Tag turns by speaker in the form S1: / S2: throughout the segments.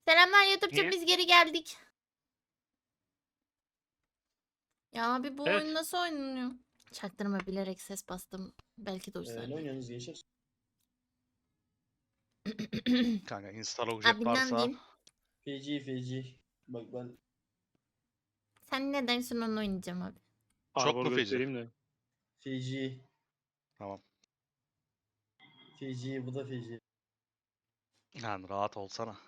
S1: Selamlar YouTube'cum,
S2: Niye?
S1: biz geri geldik. Ya abi bu
S2: Evet.
S1: oyun nasıl oynanıyor? Çaktırma, bilerek ses bastım. Belki de
S3: Ne
S1: uçlar.
S3: oynuyorsunuz gençler?
S4: Kanka install
S1: Abi
S4: objet
S1: ne
S4: varsa
S1: diyeyim?
S3: Feci. Bak ben
S1: Sen ne dersin onu oynayacağım abi.
S4: çok
S2: Arbor
S4: mu feci?
S2: göstereyim de.
S3: feci.
S4: Tamam.
S3: Feci bu da feci.
S4: Yani rahat olsana.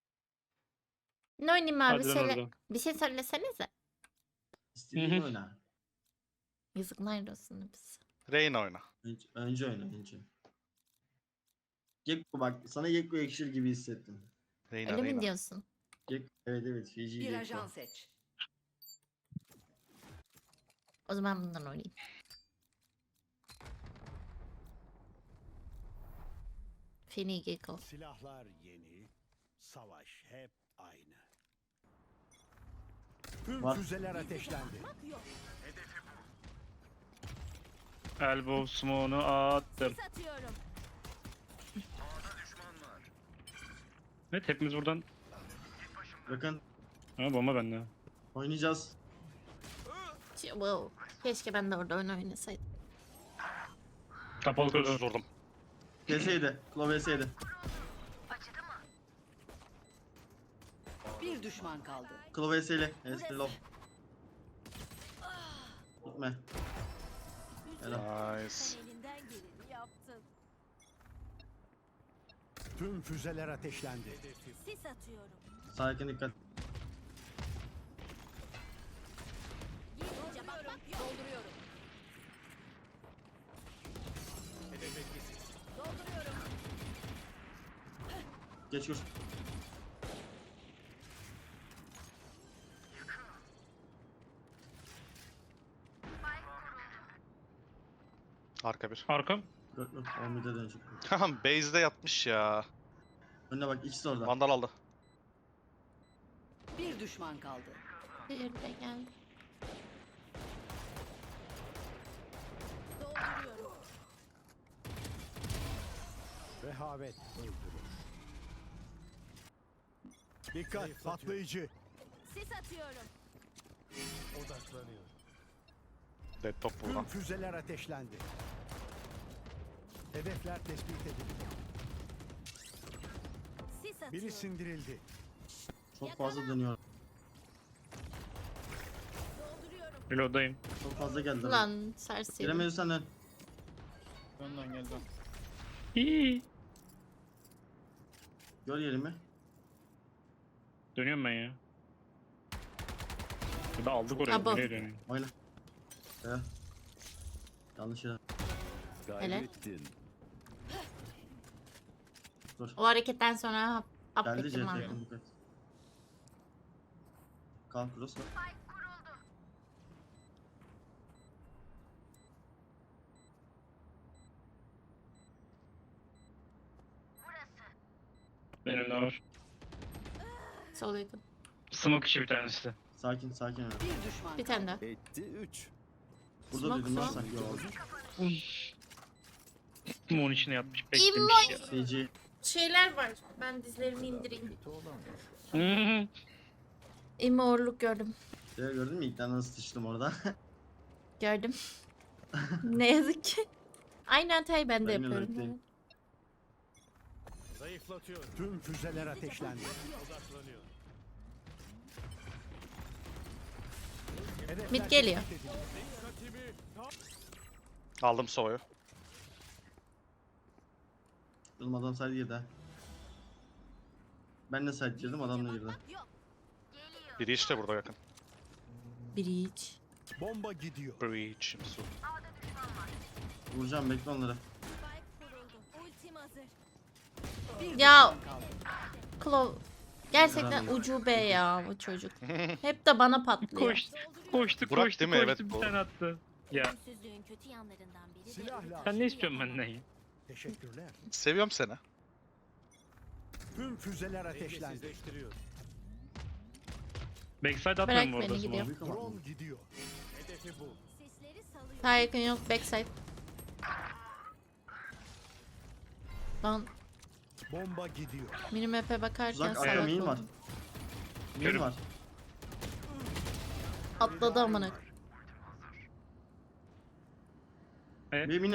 S1: Ne oynayayım abi,
S2: Hadi lan
S1: söyle.
S2: oradan.
S1: Bir şey söylesenize.
S3: İstediğin
S2: Hı hı.
S3: oyna.
S1: Yazıklar olsun biz.
S4: Rain oyna.
S3: Önce oyna önce. Gekko bak sana Gekko yakışır gibi hissettim.
S4: Reyna
S1: Öyle mi
S4: Reyna.
S1: diyorsun?
S3: Evet feci
S5: Bir
S3: Gekko.
S5: ajan seç.
S1: O zaman bundan oynayayım. Feni Gecko.
S6: Silahlar yeni, savaş hep aynı. Tüm
S3: Var.
S6: füzeler ateşlendi.
S2: Elbow smoke'unu attım. Evet, hepimiz buradan.
S3: Bakın
S2: Ha, bomba bende.
S3: oynayacağız.
S1: Wow. Keşke ben de orada oyun oynasaydım.
S2: Kapalı koridor.
S4: Vurdum.
S3: Keseydi. Klov yeseydi.
S5: Bir düşman kaldı.
S3: Klov yeseyle. Lov. Gitme. Helal.
S4: Nice.
S7: Elinden geleni yaptın.
S6: Tüm füzeler ateşlendi.
S7: Sis atıyorum.
S3: Sakin dikkat.
S7: Gizlice bak dolduruyorum. Dolduruyorum.
S3: Geç vur.
S4: Arka bir.
S2: Arkam.
S3: Yok. 11'de dönecek.
S4: Tamam base'de yatmış ya.
S3: Önüne bak ikisi de orada.
S4: Vandal aldı.
S5: Bir düşman kaldı.
S1: Bir de geldi.
S7: Dolduruyorum.
S6: Rehavet öldürür. Dikkat patlayıcı.
S7: Sis atıyorum.
S6: Odaklanıyor.
S4: Dead top
S6: Tüm
S4: buradan.
S6: füzeler ateşlendi. Hedefler tespit edildi.
S7: Sis atıyorum.
S6: Biri sindirildi.
S3: Çok fazla dönüyor.
S7: Dolduruyorum.
S2: Reload'dayım.
S3: Çok fazla geldi.
S1: Ulan serseri.
S3: Giremiyorsan dön.
S2: İyi.
S3: Gör yerimi.
S2: Dönüyorum ben ya. Ya da aldık oraya.
S1: Abo.
S2: Nereye dönüyorum?
S3: Oyna. Ya. Yanlış yere.
S1: Hele.
S3: Dur.
S1: O hareketten sonra
S3: Geldi
S1: affettim
S3: CT
S1: abi.
S3: yakın dikkat. Kalk cross var.
S2: Benim de var.
S1: Sol yakın.
S2: Smoke işi bir tanesi de.
S3: Sakin öyle.
S5: Bir düşman
S1: Bir
S5: kaldı.
S1: tane daha.
S6: Etti 3.
S3: Burada
S1: Smoke,
S3: duydum lan
S1: smoke.
S3: sanki. Yo.
S2: Smoke'un içine yatmış.
S1: İmmo-
S2: Beklemiş ya.
S3: Feci.
S1: Şeyler var. Ben dizlerimi indireyim.
S2: Hı hı.
S1: İmorluk gördüm.
S3: Ya gördün mü? İlkten nasıl sıçtım orada.
S1: Gördüm. Ne yazık ki. Aynı hatayı ben de
S3: Aynen
S1: yapıyorum.
S3: öyle.
S1: evet.
S6: Zayıflatıyor. Tüm füzeler ateşlendi. Hedefler
S1: Mid geliyor.
S6: tespit edildi.
S4: Aldım soğuyu.
S3: Oğlum adam side girdi ha. Ben de side girdim adam da girdi.
S7: Yok. Geliyor.
S4: Biri işte burada yakın.
S1: Breach.
S6: Bomba gidiyor.
S4: Breach. Su.
S3: Vuracağım bekle onları.
S7: Spike kuruldu. Ultim hazır.
S5: Bir
S1: Ya
S5: düşman kaldı.
S1: Klov. Gerçekten
S3: Yaramıyor.
S1: ucube ya bu çocuk. Hep de bana patlıyor.
S2: Koştu
S4: Burak
S2: koştu
S4: değil mi? Evet,
S2: bir
S4: bu.
S2: tane attı. Ya
S7: Ölümsüzlüğün kötü yanlarından biri de
S6: Silah lazım.
S2: sen ne istiyorsun benden ya?
S6: Teşekkürler.
S4: Seviyorum seni.
S6: Tüm füzeler ateşlendi.
S2: Backside
S1: Bırak
S2: atmıyor mu orada
S1: beni,
S2: smoke?
S1: gidiyorum.
S3: Büyük ama.
S6: Drone gidiyor. Hedefi bul.
S7: sesleri salıyor.
S1: Sağ yakın yok, backside. Lan
S6: Bomba gidiyor.
S1: Minimap'e bakarken
S3: Uzak
S1: salak
S3: arka main var.
S1: oldum.
S3: Main
S2: Körüm.
S3: var.
S1: Atladı amına.
S3: Bir mini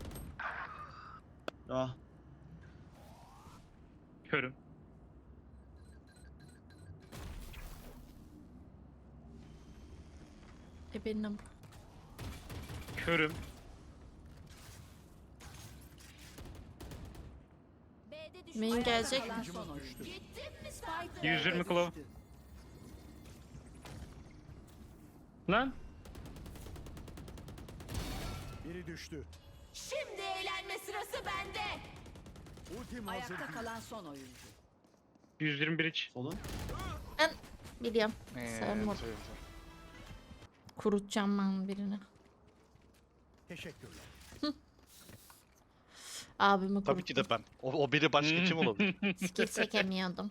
S3: Ya
S2: Körüm.
S1: Benim.
S2: Körüm.
S7: B'de düşman.
S1: Main gelecek.
S5: Kalan son oyuncu.
S7: Gittim mi Spike?
S2: 120 kilo.
S5: Düştü.
S2: Lan.
S6: Biri düştü.
S7: Şimdi eğlenme sırası bende.
S6: Ultim hazır
S5: Ayakta
S6: değil.
S5: kalan son oyuncu.
S2: 121 iç.
S3: solun.
S1: Ben biliyorum. Sevmem.
S4: Evet.
S1: Kurutacağım ben birini.
S6: Teşekkürler.
S1: Abimi kuruttum.
S4: Tabii ki de ben. O biri başka kim olabilir?
S1: Skill çekemiyordum.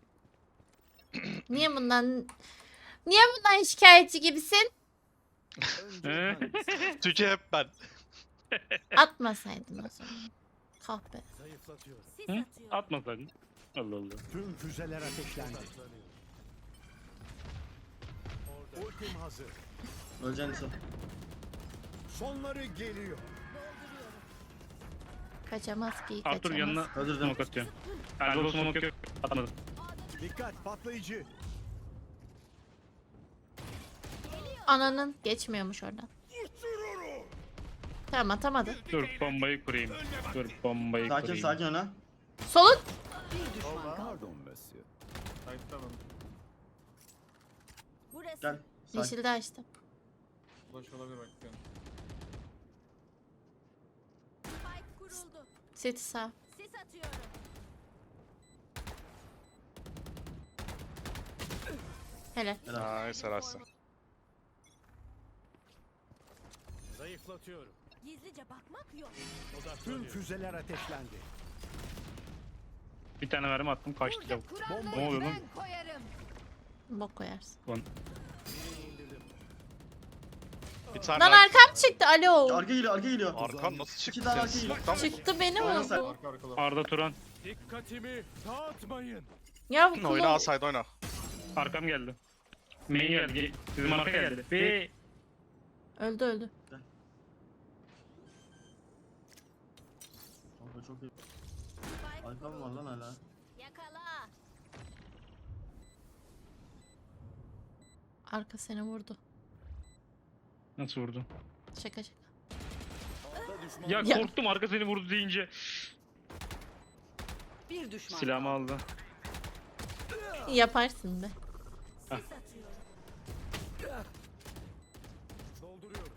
S1: Niye bundan şikayetçi gibisin?
S6: Önce ben
S4: Tüce hep ben.
S1: Atmasaydın o zaman. Kahpe.
S6: zayıflatıyorum.
S7: Sis
S2: Hı?
S7: atıyor.
S2: Atmasaydın. Allah Allah.
S6: Tüm füzeler ateşlendi. Ultim hazır.
S3: Öleceksin Nisa.
S6: Sonları geliyor.
S1: Kaçamaz ki
S2: Arthur
S1: kaçamaz.
S2: yanına
S3: Öldürdüm.
S2: smoke atıyor. Erdoğan smoke yok. Atmadım.
S6: Dikkat patlayıcı.
S1: Ananın geçmiyormuş oradan. Tamam atamadı.
S2: Dur bombayı kurayım. Dur bombayı
S3: Sakin
S2: kurayım.
S3: sakin öne.
S1: Solun.
S5: Bir düşman kaldı.
S7: Burası.
S3: Gel. Sakin.
S1: Yeşilde açtım.
S7: Spike kuruldu.
S1: City sağ.
S7: Sis atıyorum.
S1: Helal.
S4: Nice arası.
S6: Zayıflatıyorum.
S7: Gizlice bakmak yok.
S6: Tüm füzeler ateşlendi.
S2: Bir tane mermi attım kaçtı lavuk.
S6: Bomba
S2: Ne oluyor lan?
S7: Koyarım.
S1: Bok koyarsın.
S4: Bir tane
S1: Lan arkam çıktı. Alo.
S3: Arka geliyor arka geliyor.
S4: Arkan nasıl çıktı?
S3: İki tane
S4: Sen
S3: arka geliyor.
S4: smoke'tan mı?
S1: Çıktı beni
S3: Oynasana.
S1: vurdu.
S2: Arda Turan.
S6: Dikkatimi dağıtmayın.
S1: Ya bu
S4: Oyna
S1: kulağı.
S4: asaydı oyna.
S2: Arkam geldi. Main geldi. Bizim arka geldi. Ve
S1: Öldü öldü.
S3: Kanka çok iyi.
S7: Spike
S3: Arka mı var lan hala?
S7: yakala.
S1: Arka seni vurdu.
S2: nasıl vurdu?
S1: Şaka şaka.
S2: Ya,
S1: Ya.
S2: korktum arka seni vurdu deyince.
S5: Bir düşman
S2: Silahımı
S5: kaldı.
S2: aldı.
S1: Yaparsın be.
S7: Sis atıyorum.
S6: Dolduruyorum.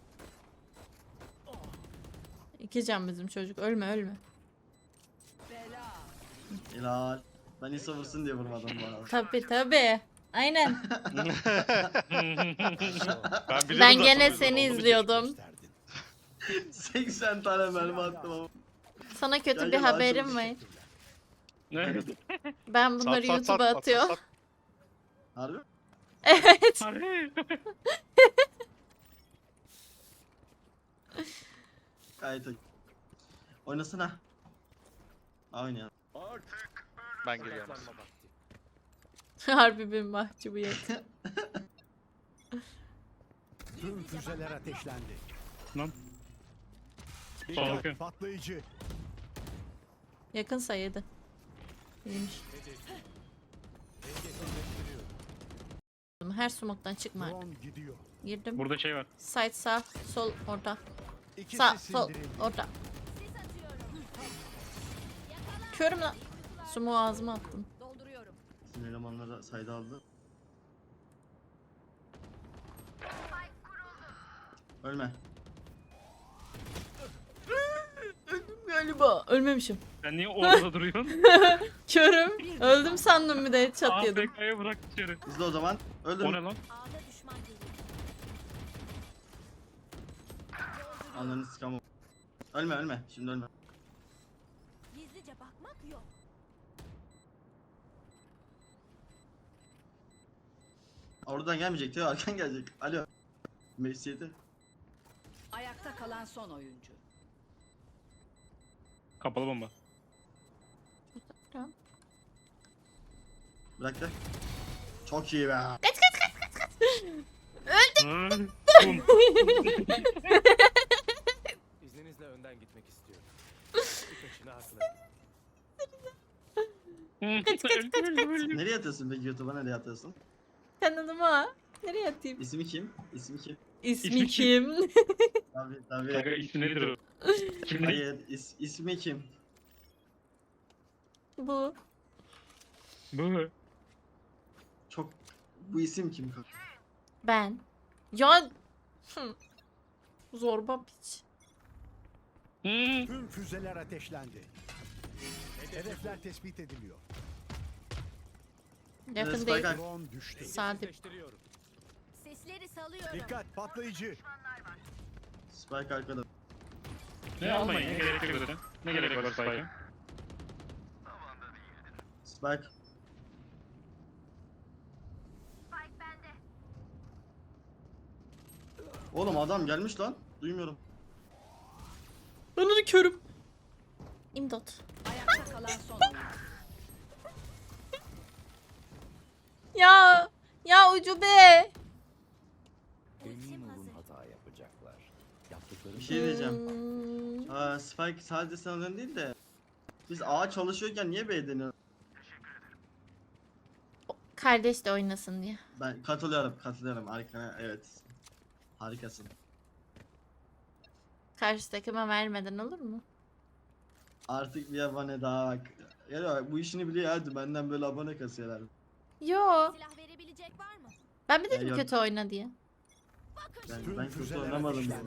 S1: İki can bizim çocuk. Ölme ölme.
S5: Bela.
S3: Helal. Ben Nisa vursun diye vurmadım bu arada.
S1: Tabi tabi. Aynen.
S4: Ben biliyorum
S1: Ben
S4: zaten
S1: gene
S4: o yüzden
S1: seni
S4: oldu.
S1: izliyordum.
S6: Gösterdin.
S3: 80 tane mermi attım ama.
S1: Sana kötü
S3: Gel,
S1: bir
S3: gel,
S1: haberim
S3: açılmış.
S1: var.
S2: Ne?
S1: Ben bunları
S4: Sat, sat,
S1: YouTube'a
S4: sat,
S1: atıyorum.
S4: sat, sat.
S3: Harbi?
S1: Evet.
S2: Harbi.
S3: Gayet iyi. Oynasana. Oynayan.
S4: Ben geliyorum.
S1: Harbi bir mahcubiyet.
S6: Tüm füzeler ateşlendi.
S2: Lan.
S6: Dikkat
S2: Bakın.
S6: patlayıcı.
S1: Yakın sayıydı. İyiymiş. Her smoke'tan çıkma artık.
S6: Drone gidiyor.
S1: Girdim.
S2: Burada şey var.
S1: Side sağ, sol orta.
S6: İkisi
S1: Sağ, sol,
S6: sindirildi.
S1: orta.
S7: Sis atıyorum.
S1: Körüm lan. Sumu ağzıma attım.
S7: Dolduruyorum.
S3: Bizim elemanları sayda aldı. Ölme.
S1: Öldüm galiba. Ölmemişim.
S2: Sen niye orada duruyorsun?
S1: Körüm. Öldüm sandım bir de headshot yedim.
S2: AFK'ya bırak içeri.
S3: İzle o zaman. Öldür.
S2: O ne lan?
S7: A'da düşman geliyor.
S3: Anlarını sıkamam. Ölme ölme. Şimdi ölme.
S7: Gizlice bakmak yok.
S3: Oradan gelmeyecek diyor. Arkan gelecek. Alo. Mesihiyeti.
S5: Ayakta kalan son oyuncu.
S2: Kapalı bomba.
S1: Tamam.
S3: Bıraktı. Çok iyi be.
S2: Bum.
S6: İzninizle önden gitmek istiyorum. Birkaçını haklı.
S3: Nereye atıyorsun peki YouTube'a, nereye atıyorsun?
S1: Kanalıma. Nereye atayım?
S3: İsmi kim? İsmi kim?
S1: İsmi
S2: İsmi
S1: kim?
S3: Tabii tabii.
S2: Kanka ismi nedir o? Kimlik.
S3: Hayır, ismi kim?
S1: Bu.
S2: Bu.
S3: Çok... Bu isim kim?
S1: Ben. Ya. Hı. Zorba piç.
S2: Hmm.
S6: Tüm füzeler ateşlendi. Hedefler tespit ediliyor.
S1: Yakın
S3: Spike
S1: değil.
S3: Ark.
S6: Drone düştü.
S1: Sade.
S7: Sesleri salıyorum.
S6: Dikkat patlayıcı.
S3: Spike arkada.
S2: Ne almayın, ne gerek yok zaten. Ne gerek var Spike'a?
S3: Spike. Oğlum adam gelmiş lan. Duymuyorum.
S1: Ben onu körüm. İmdat.
S5: Ayakta kalan son oyuncu.
S1: Ya. Ya ucube.
S7: Ultim hazır.
S6: hata yapacaklar. Yaptıkları
S3: Bir şey diyeceğim.
S1: Hmm.
S3: Spike sadece senden değil de biz A çalışıyorken niye B deniyoruz?
S1: Kardeş de oynasın diye.
S3: Ben katılıyorum. Harika, evet. Harikasın.
S1: Karşı takıma vermeden olur mu?
S3: Artık bir abone daha bak. Ya bak, bu işini biliyor hadi benden böyle abone kasıyorlar.
S1: Yo.
S7: Silah verebilecek var mı?
S1: Ben bir dedim
S3: yok.
S1: kötü oyna diye.
S3: Ben kötü
S6: füzeler
S3: oynamadım
S6: ateşlendi.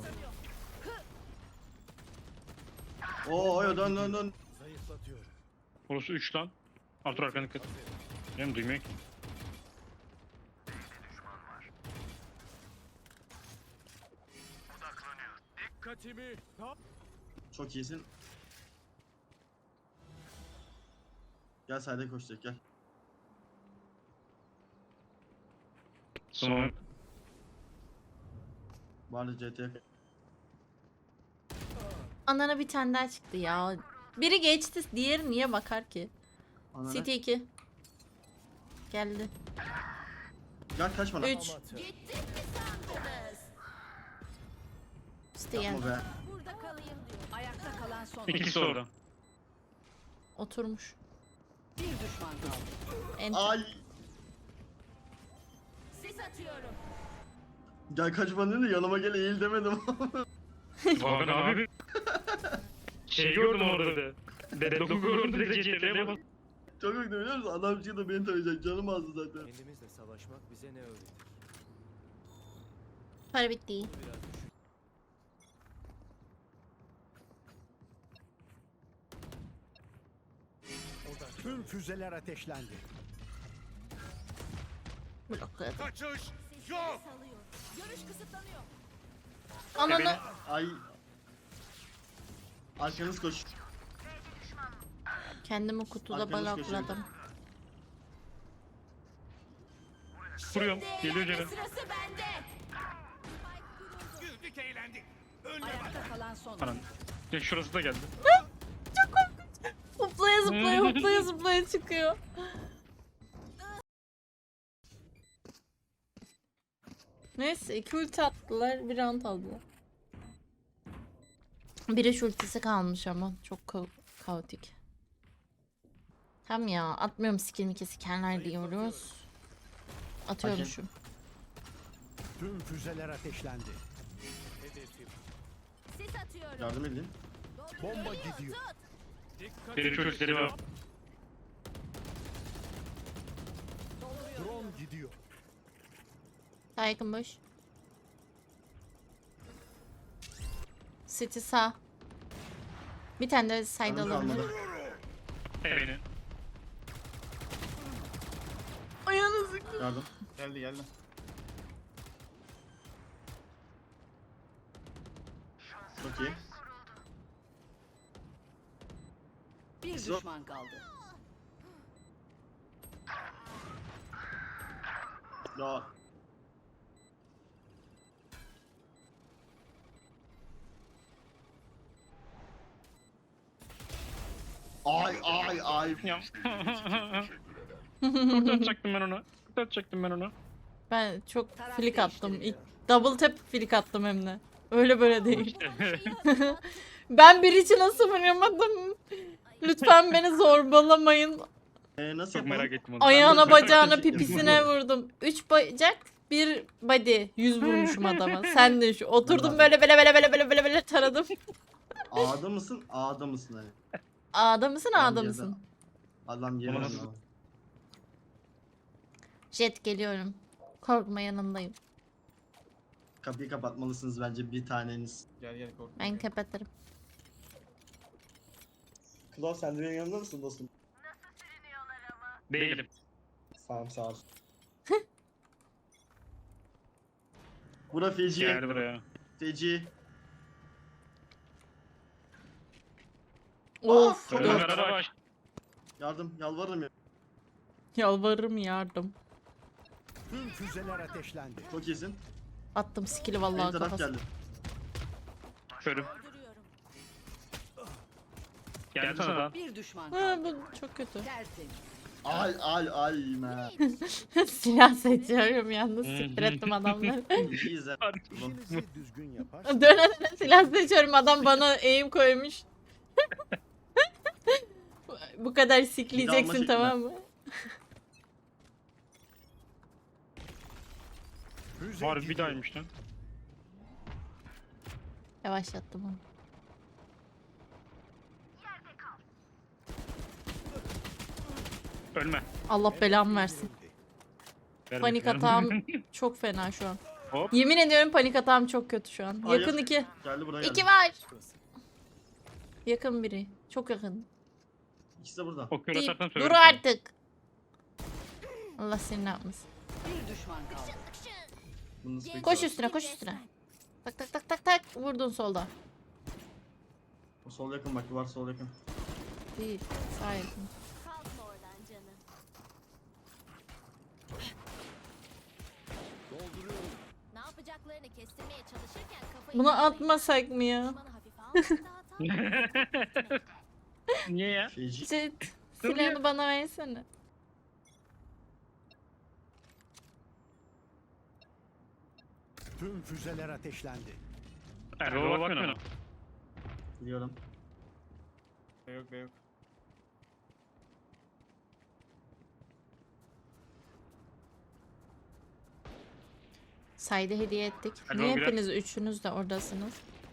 S3: bunu. Oo dön.
S6: Zayıflatıyorum.
S2: Orası 3 lan. Artur arkanı dikkat. Benim duymuyor ki.
S6: Dikkatimi.
S3: Çok iyisin. Gel sayda koşacak gel.
S2: Sonra
S3: Vardı CT'ye.
S1: Anana bir tane daha çıktı ya. Biri geçti, diğeri niye bakar ki?
S3: Ananı.
S1: City 2. Geldi.
S3: Gel kaçma lan.
S1: 3.
S7: Gittik mi sandınız?
S1: City
S3: Yapma
S1: geldi.
S3: be.
S7: Burada kalayım diyor.
S5: Ayakta kalan son oyuncu.
S2: ikisi orada.
S1: Oturmuş.
S5: Bir düşman kaldı.
S3: Ay.
S7: Sis atıyorum.
S3: Gel kaçma dedi yanıma gel eğil demedim.
S2: Bakan abi. Şey gördüm orada da. Deadlock'u gördüm direkt CTRL'ye bas.
S3: Çok kötü biliyor musun? Adam çıktı beni tarayacak canım azdı zaten.
S6: Kendimizle savaşmak bize ne öğretir?
S1: Para bitti.
S6: Biraz düşün. Tüm füzeler ateşlendi.
S1: Blokladı.
S6: Kaçış
S7: Sesleri salıyor. Görüş kısıtlanıyor.
S1: Ananı.
S3: Ay. Arkanız koş.
S1: Kendimi kutuda
S3: Arkanız köşeye.
S1: blokladım.
S2: Vuruyorum. Geliyor
S7: Eğlenme
S2: canım.
S7: sırası bende.
S6: Güldük eğlendik.
S5: Ayakta kalan son
S2: Anan.
S5: oyuncu.
S2: Ya şurası da geldi.
S1: Hoplaya zıplaya hoplaya zıplaya çıkıyor. Neyse 2 ulti attılar, bir round aldılar. Biri ultisi kalmış ama çok kaotik. Tam ya atmıyorum skill mi sikenler diyoruz. Atıyormuşum.
S6: Tüm füzeler ateşlendi. Hedefim.
S7: Sis atıyorum.
S3: Yardım edin.
S6: Bomba gidiyor.
S2: Biri çocukları var.
S6: Drone gidiyor.
S1: Saygın boş. City sağ. Bir tane de side
S3: Canım
S1: alabilir.
S3: kalmadı.
S2: Evini.
S1: Ayağını sık.
S3: Yardım. Geldi. Çok iyi.
S5: Bir
S3: Zor.
S5: düşman kaldı.
S3: Ya. Ay. ay.
S2: Ya. Kurtaracaktım ben onu. Kurtaracaktım ben onu.
S1: Ben çok
S5: Taraf
S1: flick attım.
S5: değiştiriliyor.
S1: Double tap flick attım hem de. Öyle böyle değil.
S7: Her şeyi hazırlattım.
S1: Ben bir için nasıl vuramadım? Lütfen beni zorbalamayın.
S3: Nasıl
S2: Çok
S3: yapalım?
S2: merak ettim onu.
S1: Ayağına, bacağına, pipisine vurdum. 3 bacak, 1 body. 100 vurmuşum adama. Sen de şu. Oturdum böyle böyle taradım.
S3: A'da mısın? A'da mısın hani?
S1: A'da mısın,
S3: Adam
S1: A'da
S3: yerde.
S1: mısın?
S3: Adam yeri
S2: Onu nasıl-
S3: anlamadım.
S1: Jet geliyorum. Korkma, yanındayım.
S3: Kapıyı kapatmalısınız bence bir taneniz.
S8: Gel korkma.
S1: Ben kapatırım.
S3: Klo sen de benim yanımda mısın dostum?
S2: Değilim.
S3: Sağ ol. Bura feci.
S2: Gel buraya.
S3: Feci.
S1: Of.
S3: Çok
S1: dört.
S2: Ömer araba aç.
S3: Yardım yalvarırım ya.
S1: Yalvarırım, yardım.
S6: Tüm füzeler ateşlendi.
S3: Çok iyisin.
S1: Attım skill'i
S3: Benim
S1: vallahi
S3: taraf
S1: kafasına.
S3: geldi.
S2: Körüm.
S7: Dolduruyorum.
S2: Geldi sana.
S5: Bir düşman
S1: Ha,
S5: kaldı.
S1: bu çok kötü.
S5: Tertemiz.
S3: Ay me.
S1: Silah seçiyorum yalnız, siktir ettim adamları.
S3: İyiyiz ha.
S6: İşinizi düzgün yapar.
S1: Döne döne silah seçiyorum, adam bana aim koymuş. Bu kadar sikleyeceksin,
S3: şekli.
S1: tamam mı?
S6: Füze
S2: Harbi
S6: gidiyor.
S2: bir dahaymış lan.
S1: Yavaşlattım onu.
S2: Ölme.
S1: Allah belamı versin.
S2: Ver
S1: Panik
S2: bakayım.
S1: atağım çok fena şu an.
S2: Hop.
S1: Yemin ediyorum panik atağım çok kötü şu an.
S3: Hayır.
S1: Yakın 2.
S3: Geldi buraya geldi.
S1: 2 var. Yakın biri. Çok yakın.
S3: İkisi de burada.
S2: O kör
S1: Deyip,
S2: atarsan
S1: dur
S2: söylerim sana.
S1: artık. Allah seni ne yapmasın.
S5: Bir düşman kaldı.
S3: Bunu nasıl
S1: Koş
S3: bekliyorlar?
S1: üstüne, koş üstüne. Tak tak tak tak tak. Vurdun solda.
S3: O sol yakın bak duvar sol yakın.
S1: Değil. Sağ yakın.
S7: Kalkma oradan canım. Ne yapacaklarını kestirmeye çalışırken kafayı...
S1: Bunu atmasak mı ya?
S7: Düşmanı hafife almak da hata.
S2: Niye ya?
S3: Feci.
S1: Jet, silahını bana versene.
S6: Tüm füzeler ateşlendi.
S2: Erdoğan'a bakmıyor.
S3: Biliyorum.
S8: Yok be yok.
S1: Sayda hediye ettik.
S2: Hadi
S1: Niye
S2: oğlum,
S1: hepiniz üçünüz de oradasınız?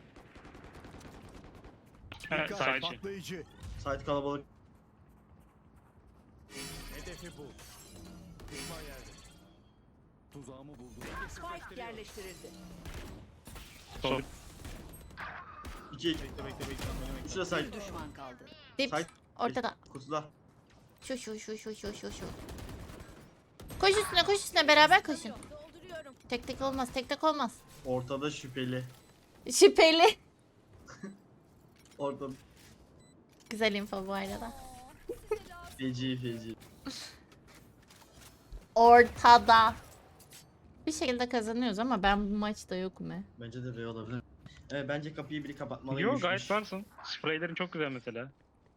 S2: Evet,
S6: Dikkat,
S2: sadece.
S6: patlayıcı.
S3: Site kalabalık.
S6: Hedefi bu. Düşman yerde. Tuzağımı buldum.
S5: Spike yerleştirildi.
S2: Sol.
S3: 2 2.
S8: Bekle.
S3: Üçü de site.
S5: Bir düşman kaldı.
S1: Dip
S3: Site.
S1: ortada.
S3: Kutuda.
S1: Şu. Koş üstüne beraber koşun.
S7: Dolduruyorum.
S1: Tek tek olmaz, tek tek olmaz.
S3: Ortada şüpheli.
S1: Şüpheli.
S3: Ortada
S1: Güzel info bu arada.
S3: feci.
S1: Ortada. Bir şekilde kazanıyoruz ama ben bu maçta yokum he.
S3: Bence de R olabilir. Evet bence kapıyı biri kapatmalıymış.
S2: Yok gayet varsın. Spreylerin çok güzel mesela.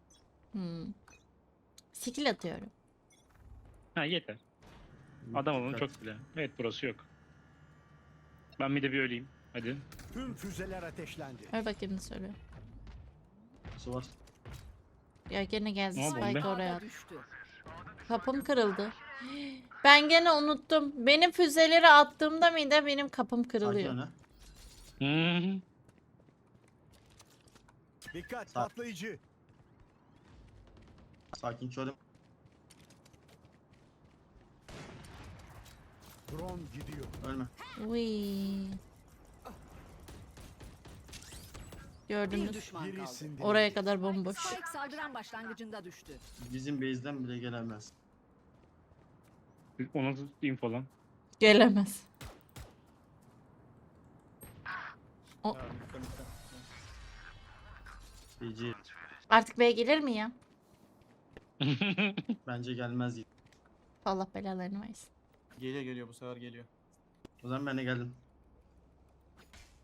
S1: Skill atıyorum.
S2: Ha yeter. Adam olun çok bile. Evet burası yok. Ben bir de bir öleyim. Hadi.
S6: Tüm füzeler ateşlendi.
S1: Ver bakayım ne söylüyor.
S3: Su var.
S1: Ya gene geldi
S2: Ne oldu
S1: Spike
S2: be?
S1: oraya.
S5: Ağda
S1: attı.
S5: düştü.
S1: Kapım kırıldı. Ben gene unuttum. Benim füzeleri attığımda mıydı benim kapım
S3: Sakin
S1: kırılıyor.
S3: öne.
S2: Hmm.
S6: Dikkat, patlayıcı.
S3: Sakin körüm.
S6: Drone gidiyor.
S3: Ölme.
S1: Uy.
S5: Bir
S1: Gördünüz.
S5: düşman kaldı.
S6: Birisinde.
S1: Oraya kadar bomboş.
S5: Spike saldıran başlangıcında düştü.
S3: Bizim base'den bile gelemez.
S2: O nasıl info lan?
S1: Gelemez.
S3: Feci.
S1: Artık B'ye gelir mi ya?
S3: Bence gelmez.
S1: Allah belalarını versin.
S8: Geliyor bu sefer geliyor.
S3: O zaman ben de geldim.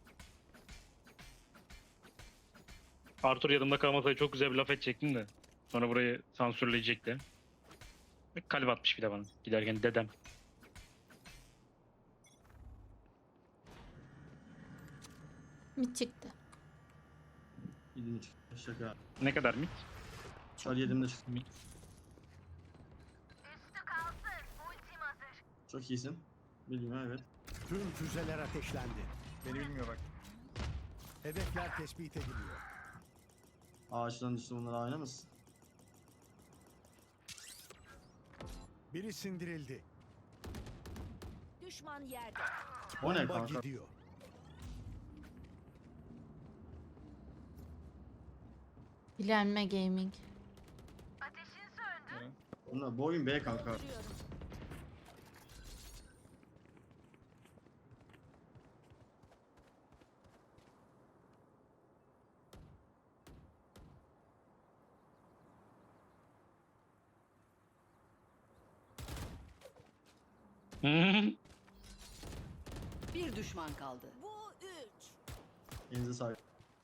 S2: Arthur yanımda kalmasaydı çok güzel bir laf edecektim de. Sonra burayı sansürleyecekti. Ve kalp atmış bir de bana. Giderken dedem.
S1: Mid çıktı.
S3: Yedim şaka.
S2: Ne kadar mid?
S3: Çar yedim de çıktım.
S2: Mid.
S3: Çok iyisin. Bilmiyorum evet.
S6: Tüm füzeler ateşlendi.
S8: Beni bilmiyor bak.
S6: Hedefler tespit ediliyor.
S3: Ağaçtan düştü bunlar aynı mısın?
S6: Biri sindirildi.
S7: Düşman yerde.
S3: O ne
S6: Bomba
S3: kanka?
S6: gidiyor.
S1: Bilenme Gaming.
S3: Bunlar bu oyun B kanka.
S7: Dolduruyorum.
S5: Bir düşman kaldı.
S7: Bu 3.
S3: Elinize sağlık.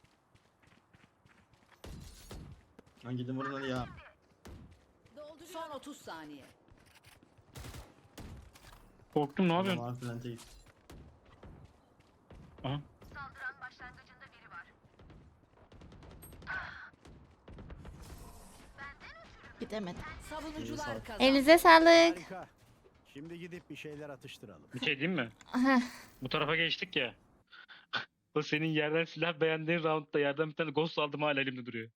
S3: Lan gidin vurun hadi ya.
S7: Dolduruyorum.
S5: Son 30 saniye.
S2: Korktum, ne yapıyorsun?
S3: Tamam falan değil.
S2: Aha.
S1: Gidemedim.
S5: Savunucular kazandı.
S1: Elinize sağlık.
S6: Harika. Şimdi gidip bir şeyler atıştıralım.
S2: Bir şey diyeyim mi? Bu tarafa geçtik ya. O senin yerden silah beğendiğin roundda yerden bir tane ghost aldım, hala elimde duruyor.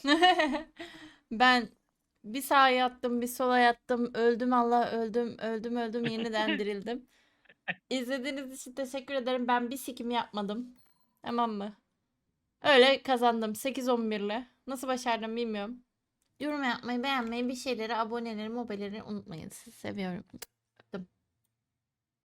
S1: Ben bir sağa yattım, bir sola yattım. Öldüm Allah, öldüm, yeniden dirildim. İzlediğiniz için teşekkür ederim. Ben bir sikim yapmadım. Tamam mı? Öyle kazandım 8-11 ile. Nasıl başardım bilmiyorum. Yorum yapmayı, beğenmeyi, bir şeyleri, aboneleri, mobileri unutmayın. Sizi seviyorum.